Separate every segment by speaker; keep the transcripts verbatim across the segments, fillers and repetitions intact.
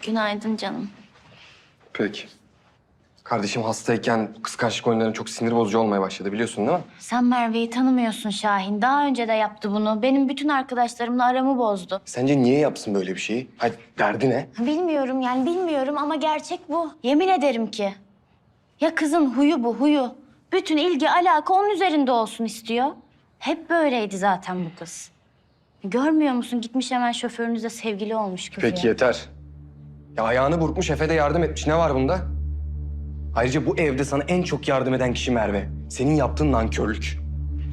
Speaker 1: Günaydın canım.
Speaker 2: Peki. Kardeşim hastayken kıskançlık oyunları çok sinir bozucu olmaya başladı biliyorsun değil mi?
Speaker 1: Sen Merve'yi tanımıyorsun Şahin. Daha önce de yaptı bunu. Benim bütün arkadaşlarımla aramı bozdu.
Speaker 2: Sence niye yapsın böyle bir şeyi? Hayır, derdi ne?
Speaker 1: Bilmiyorum yani bilmiyorum ama gerçek bu. Yemin ederim ki. Ya kızın huyu bu huyu. Bütün ilgi alaka onun üzerinde olsun istiyor. Hep böyleydi zaten bu kız. Görmüyor musun? Gitmiş hemen şoförünüzle sevgili olmuş kız
Speaker 2: Peki
Speaker 1: ya.
Speaker 2: yeter. Ya ayağını burkmuş, Efe de yardım etmiş. Ne var bunda? Ayrıca bu evde sana en çok yardım eden kişi Merve. Senin yaptığın nankörlük.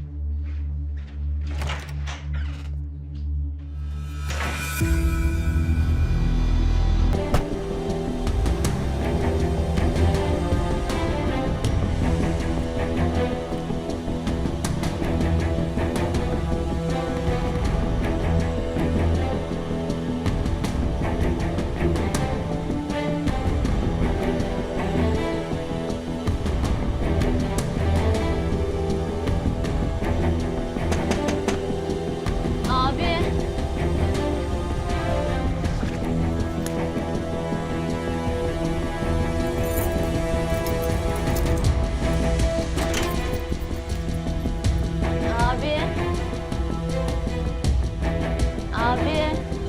Speaker 1: Abi. Abi. Abi.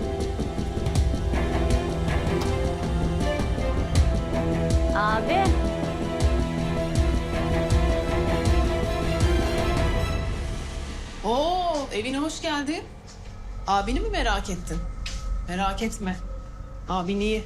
Speaker 1: Abi.
Speaker 3: Oo, evine hoş geldin. Abini mi merak ettin? Merak etme. Abin iyi.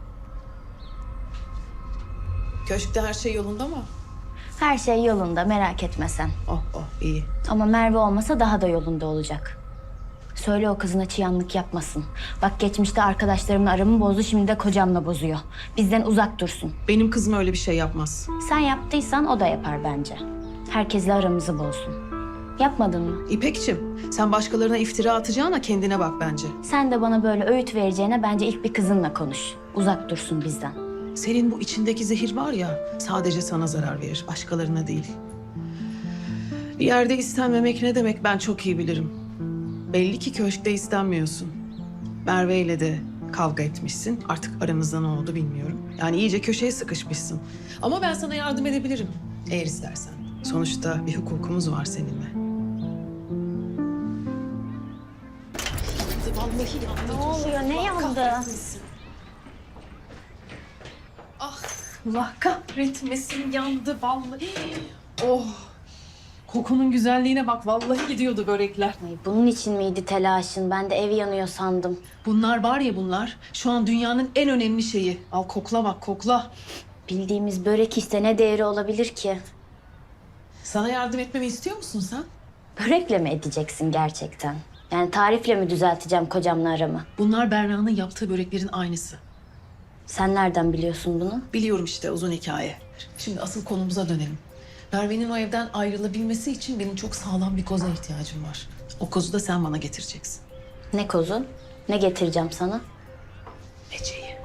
Speaker 3: Köşkte her şey yolunda mı?
Speaker 1: Her şey yolunda merak etme sen.
Speaker 3: Oh oh iyi.
Speaker 1: Ama Merve olmasa daha da yolunda olacak. Söyle o kızına çıyanlık yapmasın. Bak geçmişte arkadaşlarımla aramı bozdu, şimdi de kocamla bozuyor. Bizden uzak dursun.
Speaker 3: Benim kızım öyle bir şey yapmaz.
Speaker 1: Sen yaptıysan o da yapar bence. Herkesle aramızı bozsun. Yapmadın mı?
Speaker 3: İpekçim, sen başkalarına iftira atacağına kendine bak bence.
Speaker 1: Sen de bana böyle öğüt vereceğine bence ilk bir kızınla konuş. Uzak dursun bizden.
Speaker 3: Senin bu içindeki zehir var ya, sadece sana zarar verir, başkalarına değil. Bir yerde istenmemek ne demek ben çok iyi bilirim. Belli ki köşkte istenmiyorsun. Merve ile de kavga etmişsin. Artık aranızda ne oldu bilmiyorum. Yani iyice köşeye sıkışmışsın. Ama ben sana yardım edebilirim eğer istersen. Sonuçta bir hukukumuz var seninle. Vallahi yandı.
Speaker 1: Ne oluyor? Ne yandı?
Speaker 3: Ah, Allah kahretmesin yandı vallahi. Oh. Kokunun güzelliğine bak vallahi gidiyordu börekler.
Speaker 1: Ay, bunun için miydi telaşın? Ben de ev yanıyor sandım.
Speaker 3: Bunlar var ya bunlar şu an dünyanın en önemli şeyi. Al kokla bak kokla.
Speaker 1: Bildiğimiz börek işte ne değeri olabilir ki?
Speaker 3: Sana yardım etmemi istiyor musun sen?
Speaker 1: Börekle mi edeceksin gerçekten? Yani tarifle mi düzelteceğim kocamla aramı?
Speaker 3: Bunlar Berra'nın yaptığı böreklerin aynısı.
Speaker 1: Sen nereden biliyorsun bunu?
Speaker 3: Biliyorum işte uzun hikaye. Şimdi asıl konumuza dönelim. Merve'nin o evden ayrılabilmesi için benim çok sağlam bir koza ihtiyacım var. O kozu da sen bana getireceksin.
Speaker 1: Ne kozu? Ne getireceğim sana?
Speaker 3: Ece'yi.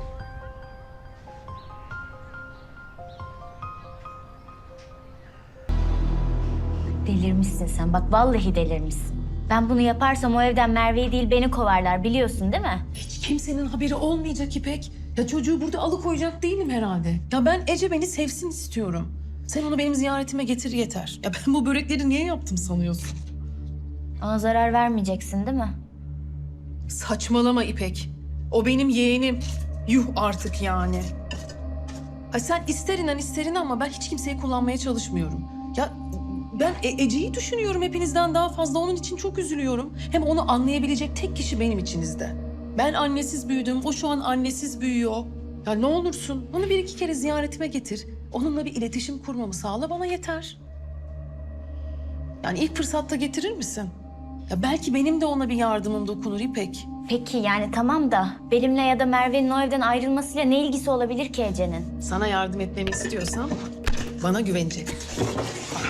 Speaker 1: Delirmişsin sen. Bak vallahi delirmişsin. Ben bunu yaparsam o evden Merve'yi değil beni kovarlar biliyorsun değil mi?
Speaker 3: Hiç kimsenin haberi olmayacak İpek. Ya çocuğu burada alıkoyacak değilim herhalde. Ya ben Ece beni sevsin istiyorum. Sen onu benim ziyaretime getir yeter. Ya ben bu börekleri niye yaptım sanıyorsun?
Speaker 1: Ona zarar vermeyeceksin değil mi?
Speaker 3: Saçmalama İpek. O benim yeğenim. Yuh artık yani. Ay sen ister inan ister inan ama ben hiç kimseyi kullanmaya çalışmıyorum. Ya ben E- Ece'yi düşünüyorum hepinizden daha fazla. Onun için çok üzülüyorum. Hem onu anlayabilecek tek kişi benim içinizde. Ben annesiz büyüdüm. O şu an annesiz büyüyor. Ya ne olursun onu bir iki kere ziyaretime getir. Onunla bir iletişim kurmamı sağla bana yeter. Yani ilk fırsatta getirir misin? Ya belki benim de ona bir yardımım dokunur İpek.
Speaker 1: Peki yani tamam da benimle ya da Merve'nin o evden ayrılmasıyla ne ilgisi olabilir ki Ece'nin?
Speaker 3: Sana yardım etmemi istiyorsan bana güvenecek. Bak